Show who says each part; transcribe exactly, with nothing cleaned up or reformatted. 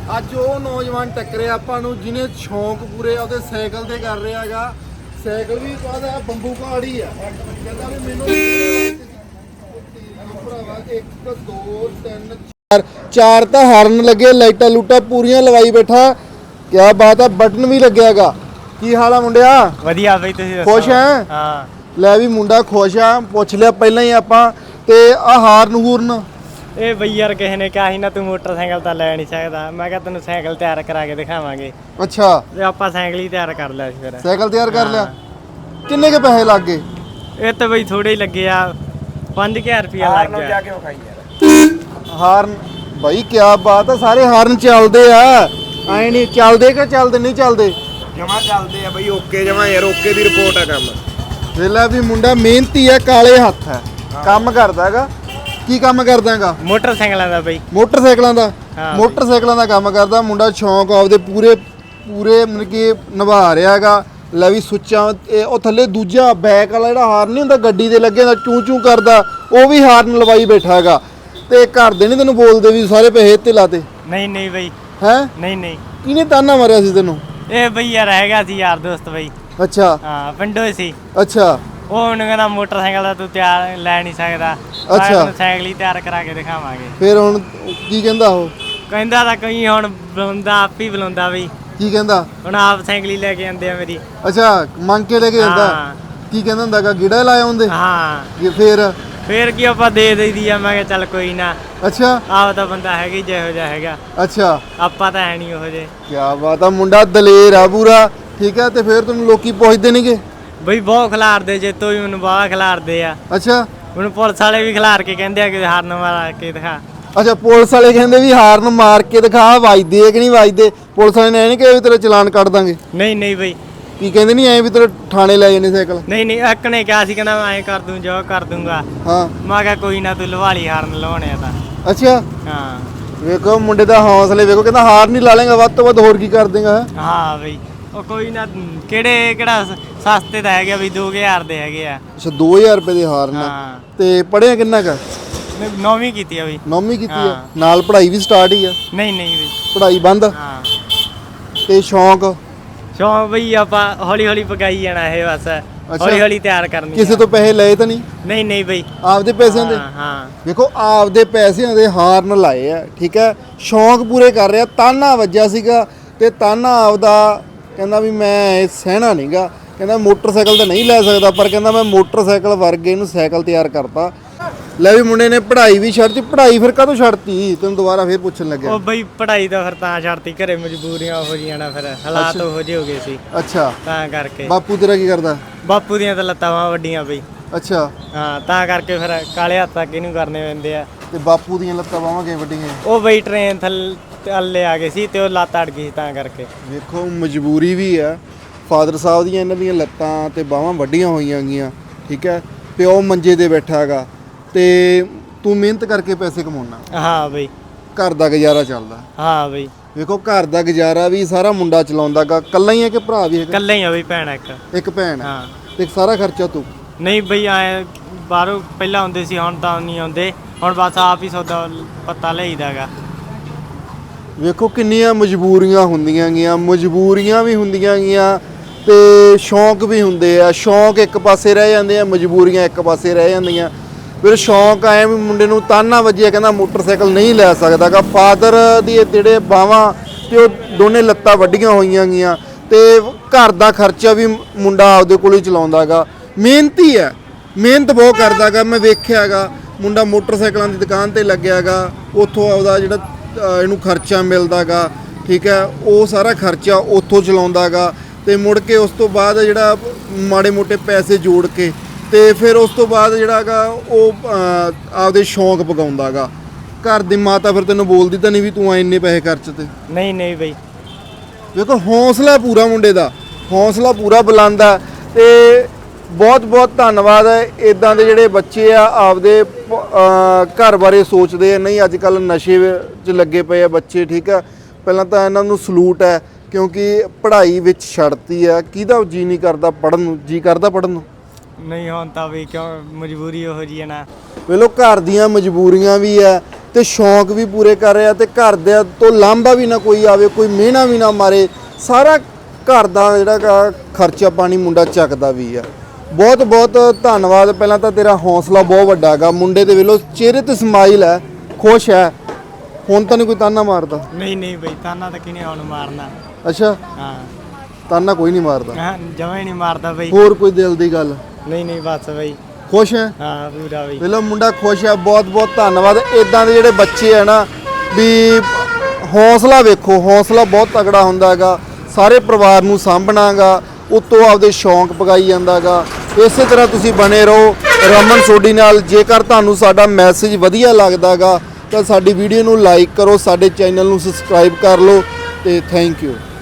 Speaker 1: ਅੱਜ ਉਹ ਨੌਜਵਾਨ ਟੱਕਰੇ ਆਪਾਂ ਨੂੰ ਜਿਹਨੇ ਸ਼ੌਂਕ ਪੂਰੇ ਉਹਦੇ ਸਾਈਕਲ ਤੇ ਕਰ ਰਿਹਾ ਹੈਗਾ। ਸਾਈਕਲ ਵੀ ਕਾਹਦਾ ਬੰਬੂ ਕਾੜੀ ਆ। ਕਹਿੰਦਾ ਵੀ ਮੈਨੂੰ ਭਰਾਵਾ ਇੱਕ ਦੋ ਤਿੰਨ ਚਾਰ ਚਾਰ ਤਾਂ ਹਾਰਨ ਲੱਗੇ, ਲਾਈਟਾਂ ਲੂਟਾਂ ਪੂਰੀਆਂ ਲਵਾਈ ਬੈਠਾ। ਕਿਆ ਬਾਤ ਆ, ਬਟਨ ਵੀ ਲੱਗਿਆਗਾ। ਕੀ ਹਾਲ ਆ ਮੁੰਡਿਆ?
Speaker 2: ਵਧੀਆ ਬਈ, ਤੁਸੀਂ ਦੱਸੋ?
Speaker 1: ਖੁਸ਼ ਹੈ?
Speaker 2: ਹਾਂ
Speaker 1: ਲੈ ਵੀ ਮੁੰਡਾ ਖੁਸ਼ ਆ। ਪੁੱਛ ਲਿਆ ਪਹਿਲਾਂ ਹੀ ਆਪਾਂ। ਤੇ ਆ ਹਾਰਨ ਹੂਰਨ
Speaker 2: ਇਹ ਬਈ ਯਾਰ ਕਿਸੇ ਨੇ ਕਿਹਾ ਸੀ ਨਾ ਤੂੰ ਮੋਟਰਸਾਈਕਲ ਤਾਂ ਲੈ ਨਹੀਂ ਸਕਦਾ। ਮੈਂ ਕਿਹਾ ਤੈਨੂੰ ਸਾਈਕਲ ਤਿਆਰ ਕਰਾ ਕੇ ਦਿਖਾਵਾਂਗੇ।
Speaker 1: ਅੱਛਾ,
Speaker 2: ਤੇ ਆਪਾਂ ਸਾਈਕਲ ਹੀ ਤਿਆਰ ਕਰ ਲਿਆ ਸੀ ਫਿਰ।
Speaker 1: ਸਾਈਕਲ ਤਿਆਰ ਕਰ ਲਿਆ। ਕਿੰਨੇ ਕੇ ਪੈਸੇ ਲੱਗ ਗਏ?
Speaker 2: ਇਹ ਤਾਂ ਬਈ ਥੋੜੇ ਹੀ ਲੱਗੇ ਆ, ਪੰਜ ਹਜ਼ਾਰ ਰੁਪਇਆ ਲੱਗ ਗਿਆ। ਜਾ ਕੇ ਵਿਖਾਈ ਯਾਰ
Speaker 1: ਹਾਰਨ ਬਾਈ ਕਿਆ ਬਾਤ ਆ, ਸਾਰੇ ਹਾਰਨ ਚੱਲਦੇ ਆ। ਐ ਨਹੀਂ ਚੱਲਦੇ ਕਿ ਚੱਲਦੇ ਨਹੀਂ ਚੱਲਦੇ?
Speaker 3: ਜਮਾ ਚੱਲਦੇ ਆ ਬਈ, ਓਕੇ ਜਮਾ ਯਾਰ, ਓਕੇ ਦੀ ਰਿਪੋਰਟ ਆ ਕੰਮ।
Speaker 1: ਵੇਲਾ ਵੀ ਮੁੰਡਾ ਮਿਹਨਤੀ ਆ, ਕਾਲੇ ਹੱਥ ਹੈ, ਕੰਮ ਕਰਦਾ ਹੈਗਾ। ਕੀ ਕੰਮ ਕਰਦਾ ਹੈਗਾ?
Speaker 2: ਮੋਟਰਸਾਈਕਲਾਂ ਦਾ ਬਈ।
Speaker 1: ਮੋਟਰਸਾਈਕਲਾਂ ਦਾ।
Speaker 2: ਹਾਂ
Speaker 1: ਮੋਟਰਸਾਈਕਲਾਂ ਦਾ ਕੰਮ ਕਰਦਾ ਮੁੰਡਾ। ਸ਼ੌਂਕ ਆਪਦੇ ਪੂਰੇ ਪੂਰੇ ਮਤਲਬ ਕਿ ਨਿਭਾ ਰਿਹਾ ਹੈਗਾ। ਲੈ ਵੀ ਸੁੱਚਾਂ ਉਹ ਥੱਲੇ ਦੂਜਾ ਬੈਕ ਵਾਲਾ ਜਿਹੜਾ ਹਾਰਨ ਨਹੀਂ ਹੁੰਦਾ ਗੱਡੀ ਦੇ ਲੱਗੇ ਦਾ ਚੂੰ ਚੂੰ ਕਰਦਾ, ਉਹ ਵੀ ਹਾਰਨ ਲਵਾਈ ਬੈਠਾ ਹੈਗਾ। ਤੇ ਘਰ ਦੇ ਨਹੀਂ ਤੈਨੂੰ ਬੋਲਦੇ ਵੀ ਸਾਰੇ ਪੈਸੇ ਤੇ ਲਾਤੇ?
Speaker 2: ਨਹੀਂ ਨਹੀਂ ਬਈ।
Speaker 1: ਹੈ
Speaker 2: ਨਹੀਂ ਨਹੀਂ,
Speaker 1: ਕਿਹਨੇ ਤਾਨਾ ਮਾਰਿਆ ਸੀ ਤੈਨੂੰ?
Speaker 2: ਇਹ ਬਈ ਯਾਰ ਹੈਗਾ ਸੀ ਯਾਰ ਦੋਸਤ ਬਈ।
Speaker 1: ਅੱਛਾ
Speaker 2: ਹਾਂ ਪਿੰਡੋਂ ਹੀ ਸੀ।
Speaker 1: ਅੱਛਾ
Speaker 2: ਉਹ ਉਹਨੂੰ ਕਹਿੰਦਾ ਮੋਟਰਸਾਈਕਲ ਦਾ ਤੂੰ ਤਿਆਰ ਲੈ ਨਹੀਂ ਸਕਦਾ।
Speaker 1: ਅੱਛਾ।
Speaker 2: ਤੈਨੂੰ ਸਾਈਕਲ ਹੀ ਤਿਆਰ ਕਰਾ ਕੇ ਦਿਖਾਵਾਂਗੇ।
Speaker 1: ਫਿਰ ਹੁਣ ਕੀ ਕਹਿੰਦਾ ਉਹ?
Speaker 2: ਕਹਿੰਦਾ ਤਾਂ ਕੋਈ ਹੁਣ ਬੁਲਾਉਂਦਾ, ਆਪ ਹੀ ਬੁਲਾਉਂਦਾ ਬਈ।
Speaker 1: ਕੀ ਕਹਿੰਦਾ?
Speaker 2: ਹੁਣ ਆਪ ਸਾਈਕਲ ਹੀ ਲੈ ਕੇ ਆਉਂਦੇ ਆ ਮੇਰੀ।
Speaker 1: ਅੱਛਾ, ਮੰਗ ਕੇ ਲੈ ਕੇ ਜਾਂਦਾ।
Speaker 2: ਹਾਂ।
Speaker 1: ਕੀ ਕਹਿੰਦਾ ਹੁੰਦਾਗਾ? ਗਿੜਾ ਲਾਇਆ ਹੁੰਦੇ?
Speaker 2: ਹਾਂ।
Speaker 1: ਫਿਰ
Speaker 2: ਫੇਰ ਕੀ ਆਪਾਂ ਦੇ ਦੇਈਦੀ ਆ। ਮੈਂ ਕਿਹਾ ਚੱਲ ਕੋਈ ਨਾ,
Speaker 1: ਅੱਛਾ
Speaker 2: ਆਪ ਤਾਂ ਬੰਦਾ ਹੈਗਾ ਹੀ ਜਿਹੋ ਜਿਹਾ ਹੈਗਾ।
Speaker 1: ਅੱਛਾ,
Speaker 2: ਆਪਾਂ ਤਾਂ ਹੈ ਨਹੀਂ ਉਹੋ ਜਿਹੇ।
Speaker 1: ਕਿਆ ਬਾਤ ਆ, ਮੁੰਡਾ ਦਲੇਰ ਆ ਪੂਰਾ। ਠੀਕ ਹੈ, ਤੇ ਫਿਰ ਤੁਹਾਨੂੰ ਲੋਕੀ ਪੁੱਛਦੇ ਨਹੀਂਗੇ?
Speaker 2: ਬਈ ਬਹੁਤ ਖਿਲਾਰਦੇ, ਜੇ ਤੋਂ ਵੀ ਮੈਨੂੰ ਬਾਹਲਾ ਖਿਲਾਰਦੇ ਆ।
Speaker 1: ਅੱਛਾ
Speaker 2: ਮੈਨੂੰ ਪੁਲਿਸ ਵਾਲੇ ਵੀ ਖਿਲਾਰ ਕੇ ਕਹਿੰਦੇ ਆ ਕਿ ਹਾਰਨ ਮਾਰ ਕੇ ਦਿਖਾ।
Speaker 1: ਅੱਛਾ, ਪੁਲਿਸ ਵਾਲੇ ਕਹਿੰਦੇ ਵੀ ਹਾਰਨ ਮਾਰ ਕੇ ਦਿਖਾ, ਵੱਜਦੇ ਆ ਕਿ ਨਹੀਂ ਵੱਜਦੇ? ਪੁਲਿਸ ਵਾਲੇ ਨੇ ਇਹ ਨਹੀਂ ਕਿਹਾ ਵੀ ਤੇਰਾ ਚਲਾਨ ਕੱਟ ਦਾਂਗੇ?
Speaker 2: ਨਹੀਂ ਨਹੀਂ ਬਈ।
Speaker 1: ਕੀ ਕਹਿੰਦੇ ਨਹੀਂ ਐ ਵੀ ਤੇਰੇ ਥਾਣੇ ਲੈ ਜਾਣੇ ਸਾਈਕਲ?
Speaker 2: ਨਹੀਂ ਨਹੀਂ, ਇੱਕ ਨੇ ਕਿਹਾ ਸੀ, ਕਹਿੰਦਾ ਮੈਂ ਐਂ ਕਰ ਦੂੰ, ਜੋ ਕਰ ਦੂੰਗਾ।
Speaker 1: ਹਾਂ।
Speaker 2: ਮੈਂ ਕਿਹਾ ਕੋਈ ਨਾ, ਤੂੰ ਲਵਾ ਲਈ ਹਾਰਨ ਲਵਾਉਣੇ ਆ ਤਾਂ।
Speaker 1: ਅੱਛਾ,
Speaker 2: ਹਾਂ
Speaker 1: ਵੇਖੋ ਮੁੰਡੇ ਦਾ ਹੌਸਲੇ ਵੇਖੋ। ਕਹਿੰਦਾ ਹਾਰ ਨਹੀਂ ਲਾ ਲੇਗਾ, ਵੱਧ ਤੋਂ ਵੱਧ ਹੋਰ ਕੀ ਕਰ ਦੇਗਾ?
Speaker 2: ਹਾਂ ਬਈ। ਉਹ ਕੋਈ ਨਾ, ਕਿਹੜੇ ਕਿਹੜਾ ਸਸਤੇ ਤਾਂ ਹੈਗੇ ਬਈ, ਦੋ ਹਜ਼ਾਰ ਦੇ ਹੈਗੇ ਆ।
Speaker 1: ਅੱਛਾ, ਦੋ ਹਜ਼ਾਰ ਰੁਪਏ ਦੇ ਹਾਰਨ।
Speaker 2: ਹਾਂ।
Speaker 1: ਤੇ ਪੜ੍ਹਿਆ ਕਿੰਨਾ ਕੁ?
Speaker 2: ਨੌਵੀਂ ਕੀਤੀ ਆ ਬਈ।
Speaker 1: ਨੌਵੀਂ ਕੀਤੀ ਆ?
Speaker 2: ਹਾਂ।
Speaker 1: ਨਾਲ ਪੜ੍ਹਾਈ ਵੀ ਸਟਾਰਟ ਹੀ ਆ?
Speaker 2: ਨਹੀਂ ਨਹੀਂ ਬਈ।
Speaker 1: ਪੜ੍ਹਾਈ ਬੰਦ?
Speaker 2: ਹਾਂ।
Speaker 1: ਤੇ ਸ਼ੌਂਕ?
Speaker 2: ਸ਼ੌਂਕ ਬਈ ਆਪਾਂ ਹੌਲੀ ਹੌਲੀ ਪਕਾਈ ਜਾਣਾ ਇਹ ਬਸ। ਹੌਲੀ ਹੌਲੀ ਤਿਆਰ ਕਰਨੀ।
Speaker 1: ਕਿਸੇ ਤੋਂ ਪੈਸੇ ਲਏ ਤਾਂ ਨਹੀਂ?
Speaker 2: ਨਹੀਂ ਨਹੀਂ ਬਈ।
Speaker 1: ਆਪਦੇ ਪੈਸਿਆਂ ਦੇ?
Speaker 2: ਹਾਂ ਹਾਂ।
Speaker 1: ਵੇਖੋ ਆਪਦੇ ਪੈਸਿਆਂ ਦੇ ਹਾਰਨ ਲਾਏ ਆ। ਠੀਕ ਹੈ, ਸ਼ੌਂਕ ਪੂਰੇ ਕਰ ਰਿਹਾ। ਤਾਨਾ ਵੱਜਿਆ ਸੀਗਾ ਤੇ ਤਾਨਾ ਆਪਦਾ ਕਹਿੰਦਾ ਵੀ ਮੈਂ ਇਹ ਸਹਿਣਾ ਨਹੀਂਗਾ। ਕਹਿੰਦਾ ਮੋਟਰਸਾਈਕਲ ਤਾਂ ਨਹੀਂ ਲੈ ਸਕਦਾ, ਪਰ ਕਹਿੰਦਾ ਮੈਂ ਮੋਟਰਸਾਈਕਲ ਵਰਗੇ ਇਹਨੂੰ ਸਾਈਕਲ ਤਿਆਰ ਕਰਤਾ। ਲੈ ਵੀ ਮੁੰਡੇ ਨੇ ਪੜ੍ਹਾਈ ਵੀ ਛੱਡਤੀ। ਪੜ੍ਹਾਈ ਫਿਰ ਕਾਹਤੋਂ ਛੱਡਤੀ ਤੈਨੂੰ ਦੁਬਾਰਾ ਫਿਰ ਪੁੱਛਣ ਲੱਗਿਆ?
Speaker 2: ਉਹ ਬਈ ਪੜ੍ਹਾਈ ਤਾਂ ਫਿਰ ਤਾਂ ਛੱਡਤੀ, ਘਰੇ ਮਜਬੂਰੀਆਂ ਹੋ ਜੀਆਂ ਨਾ, ਫਿਰ ਹਾਲਾਤ ਉਹੋ ਜਿਹੇ ਹੋ ਗਏ ਸੀ
Speaker 1: ਅੱਛਾ,
Speaker 2: ਤਾਂ ਕਰਕੇ।
Speaker 1: ਬਾਪੂ ਤੇਰਾ ਕੀ ਕਰਦਾ?
Speaker 2: ਬਾਪੂ ਦੀਆਂ ਤਾਂ ਲੱਤਾਂ ਵਾਂ ਵੱਡੀਆਂ ਬਈ।
Speaker 1: ਅੱਛਾ,
Speaker 2: ਹਾਂ ਤਾਂ ਕਰਕੇ ਫਿਰ ਕਾਲੇ ਹੱਥ ਤੱਕ ਇਹਨੂੰ ਕਰਨੇ ਪੈਂਦੇ ਆ।
Speaker 1: ਤੇ ਬਾਪੂ ਦੀਆਂ ਲੱਤਾਂ ਬਾਹਾਂ ਕਿਵੇਂ ਵੱਡੀਆਂ?
Speaker 2: ਉਹ ਬਈ ਟ੍ਰੇਨ ਥੱਲੇ ਆ ਗਏ ਸੀ ਤੇ ਉਹ ਲੱਤ ਅੜ ਗਈ ਸੀ ਤਾਂ ਕਰਕੇ।
Speaker 1: ਵੇਖੋ ਮਜਬੂਰੀ ਵੀ ਆ। ਫਾਦਰ ਸਾਹਿਬ ਦੀਆਂ ਇਹਨਾਂ ਦੀਆਂ ਲੱਤਾਂ ਤੇ ਬਾਹਾਂ ਵੱਡੀਆਂ ਹੋਈਆਂ ਗਈਆਂ। ਠੀਕ ਹੈ, ਪਿਓ ਮੰਜੇ ਤੇ ਬੈਠਾ ਹੈਗਾ ਤੇ ਤੂੰ ਮਿਹਨਤ ਕਰਕੇ ਪੈਸੇ ਕਮਾਉਣਾ।
Speaker 2: ਹਾਂ ਬਈ।
Speaker 1: ਘਰ ਦਾ ਗੁਜ਼ਾਰਾ ਚੱਲਦਾ।
Speaker 2: ਹਾਂ ਬਈ।
Speaker 1: ਵੇਖੋ ਘਰ ਦਾ ਗੁਜ਼ਾਰਾ ਵੀ ਸਾਰਾ ਮੁੰਡਾ ਚਲਾਉਂਦਾਗਾ। ਕੱਲਾ ਹੀ ਹੈ ਕਿ ਭਰਾ ਵੀ ਹੈਗਾ?
Speaker 2: ਇਕੱਲੇ ਹੀ ਆ ਬਈ, ਭੈਣ ਇੱਕ।
Speaker 1: ਇੱਕ ਭੈਣ ਹੈ।
Speaker 2: ਹਾਂ।
Speaker 1: ਤੇ ਸਾਰਾ ਖਰਚਾ ਤੂੰ?
Speaker 2: ਨਹੀਂ ਬਈ, ਆਏ ਬਾਹਰੋਂ ਪਹਿਲਾਂ ਆਉਂਦੇ ਸੀ, ਹੁਣ ਤਾਂ ਨਹੀਂ ਆਉਂਦੇ। ਹੁਣ ਬਸ ਆਪ ਹੀ ਸੌਦਾ ਪੱਤਾ ਲਈਦਾਗਾ।
Speaker 1: ਵੇਖੋ ਕਿੰਨੀਆਂ ਮਜਬੂਰੀਆਂ ਹੁੰਦੀਆਂ ਗੀਆਂ। ਮਜਬੂਰੀਆਂ ਵੀ ਹੁੰਦੀਆਂ ਗੀਆਂ ਤੇ ਸ਼ੌਂਕ ਵੀ ਹੁੰਦੇ ਆ। ਸ਼ੌਂਕ ਇੱਕ ਪਾਸੇ ਰਹਿ ਜਾਂਦੇ ਆ, ਮਜਬੂਰੀਆਂ ਇੱਕ ਪਾਸੇ ਰਹਿ ਜਾਂਦੀਆਂ। ਫਿਰ ਸ਼ੌਂਕ ਆਇਆ ਵੀ ਮੁੰਡੇ ਨੂੰ ਤਾਨਾ ਵੱਜਿਆ, ਕਹਿੰਦਾ ਮੋਟਰਸਾਈਕਲ ਨਹੀਂ ਲੈ ਸਕਦਾਗਾ। ਫਾਦਰ ਦੀ ਜਿਹੜੇ ਬਾਹਾਂ ਤੇ ਉਹ ਦੋਨੇ ਲੱਤਾਂ ਵੱਡੀਆਂ ਹੋਈਆਂ ਗੀਆਂ ਤੇ ਘਰ ਦਾ ਖਰਚਾ ਵੀ ਮੁੰਡਾ ਆਪਦੇ ਕੋਲ ਹੀ ਚਲਾਉਂਦਾਗਾ। ਮਿਹਨਤੀ ਹੈ, ਮਿਹਨਤ ਬਹੁਤ ਕਰਦਾਗਾ। ਮੈਂ ਵੇਖਿਆਗਾ ਮੁੰਡਾ ਮੋਟਰਸਾਈਕਲਾਂ ਦੀ ਦੁਕਾਨ ਤੇ ਲੱਗਿਆਗਾ। ਉੱਥੋਂ ਆਪਦਾ ਜਿਹੜਾ ਇਹਨੂੰ ਖਰਚਾ ਮਿਲਦਾਗਾ, ਠੀਕ ਹੈ, ਉਹ ਸਾਰਾ ਖਰਚਾ ਉੱਥੋਂ ਚਲਾਉਂਦਾਗਾ। ਤੇ ਮੁੜ ਕੇ ਉਸ ਤੋਂ ਬਾਅਦ ਜਿਹੜਾ ਮਾੜੇ ਮੋਟੇ ਪੈਸੇ ਜੋੜ ਕੇ ਤੇ ਫਿਰ ਉਸ ਤੋਂ ਬਾਅਦ ਜਿਹੜਾ ਹੈਗਾ ਉਹ ਆਪਦੇ ਸ਼ੌਂਕ ਪਗਾਉਂਦਾਗਾ। ਘਰ ਦੀ ਮਾਤਾ ਫਿਰ ਤੈਨੂੰ ਬੋਲਦੀ ਤਾਂ ਨਹੀਂ ਵੀ ਤੂੰ ਇੰਨੇ ਪੈਸੇ ਖਰਚ ਤੇ?
Speaker 2: ਨਹੀਂ ਨਹੀਂ ਬਈ।
Speaker 1: ਵੇਖੋ ਹੌਸਲਾ ਪੂਰਾ ਮੁੰਡੇ ਦਾ, ਹੌਸਲਾ ਪੂਰਾ ਬੁਲੰਦ ਆ। ਤੇ ਬਹੁਤ ਬਹੁਤ ਧੰਨਵਾਦ ਹੈ। ਇੱਦਾਂ ਦੇ ਜਿਹੜੇ ਬੱਚੇ ਆ ਆਪਦੇ ਘਰ ਬਾਰੇ ਸੋਚਦੇ ਆ। ਨਹੀਂ ਅੱਜ ਕੱਲ੍ਹ ਨਸ਼ੇ 'ਚ ਲੱਗੇ ਪਏ ਆ ਬੱਚੇ। ਠੀਕ ਆ, ਪਹਿਲਾਂ ਤਾਂ ਇਹਨਾਂ ਨੂੰ ਸਲੂਟ ਹੈ ਕਿਉਂਕਿ ਪੜ੍ਹਾਈ ਵਿੱਚ ਛੱਡਤੀ ਆ। ਕਿਹਦਾ ਜੀ ਨਹੀਂ ਕਰਦਾ ਪੜ੍ਹਨ ਨੂੰ? ਜੀ ਕਰਦਾ ਪੜ੍ਹਨ ਨੂੰ?
Speaker 2: ਨਹੀਂ ਹੁਣ ਤਾਂ ਬਈ, ਕਿਉਂ ਮਜਬੂਰੀ ਉਹੋ ਜਿਹੀ ਹੈ ਨਾ।
Speaker 1: ਵੇਲੋ ਘਰ ਦੀਆਂ ਮਜਬੂਰੀਆਂ ਵੀ ਆ ਤੇ ਸ਼ੌਂਕ ਵੀ ਪੂਰੇ ਕਰ ਰਿਹਾ ਤੇ ਘਰ ਦੇ ਤੋਂ ਲਾਂਭਾ ਵੀ ਨਾ ਕੋਈ ਆਵੇ, ਕੋਈ ਮਿਹਣਾ ਵੀ ਨਾ ਮਾਰੇ, ਸਾਰਾ ਘਰ ਦਾ ਜਿਹੜਾ ਗਾ ਖਰਚਾ ਪਾਣੀ ਮੁੰਡਾ ਚੱਕਦਾ ਵੀ ਆ। ਬਹੁਤ ਬਹੁਤ ਧੰਨਵਾਦ। ਪਹਿਲਾਂ ਤਾਂ ਤੇਰਾ ਹੌਸਲਾ ਬਹੁਤ ਵੱਡਾ ਹੈਗਾ, ਮੁੰਡੇ ਦੇ ਵੇਲੋ ਚਿਹਰੇ ਤੇ ਸਮਾਈਲ ਹੈ, ਖੁਸ਼ ਹੈ। ਹੁਣ ਤਾਂ ਨਹੀਂ ਕੋਈ ਤਾਨਾ ਮਾਰਦਾ?
Speaker 2: ਨਹੀਂ ਨਹੀਂ ਬਈ, ਤਾਨਾ ਤਾਂ ਕਿਨੇ ਹੁਣ ਮਾਰਨਾ।
Speaker 1: ਅੱਛਾ,
Speaker 2: ਹਾਂ
Speaker 1: ਤਾਨਾ ਕੋਈ ਨਹੀਂ ਮਾਰਦਾ?
Speaker 2: ਹਾਂ ਜਮਾ ਹੀ ਨਹੀਂ ਮਾਰਦਾ ਬਈ।
Speaker 1: ਹੋਰ ਕੋਈ ਦਿਲ ਦੀ ਗੱਲ?
Speaker 2: ਨਹੀਂ ਨਹੀਂ ਬਸ ਬਈ,
Speaker 1: ਖੁਸ਼ ਹੈ?
Speaker 2: ਹਾਂ ਪੂਰਾ ਬਈ।
Speaker 1: ਵੇਲੋ ਮੁੰਡਾ ਖੁਸ਼ ਹੈ। ਬਹੁਤ ਬਹੁਤ ਧੰਨਵਾਦ। ਇਦਾਂ ਦੇ ਜਿਹੜੇ ਬੱਚੇ ਆ ਨਾ ਵੀ ਹੌਸਲਾ ਵੇਖੋ, ਹੌਸਲਾ ਬਹੁਤ ਤਗੜਾ ਹੁੰਦਾ ਹੈਗਾ। ਸਾਰੇ ਪਰਿਵਾਰ ਨੂੰ ਸਾਂਭਣਾਗਾ, ਉਤੋਂ ਆਪਦੇ ਸ਼ੌਂਕ ਪਗਾਈ ਜਾਂਦਾਗਾ। ਇਸੇ ਤਰ੍ਹਾਂ ਤੁਸੀਂ ਬਣੇ ਰਹੋ ਰਮਨ ਸੋਢੀ ਨਾਲ। ਜੇਕਰ ਤੁਹਾਨੂੰ ਸਾਡਾ ਮੈਸੇਜ ਵਧੀਆ ਲੱਗਦਾਗਾ ਤਾਂ ਸਾਡੀ ਵੀਡੀਓ ਨੂੰ ਲਾਈਕ ਕਰੋ, ਸਾਡੇ ਚੈਨਲ ਨੂੰ ਸਬਸਕ੍ਰਾਈਬ ਕਰ ਲਓ ਤੇ ਥੈਂਕ ਯੂ।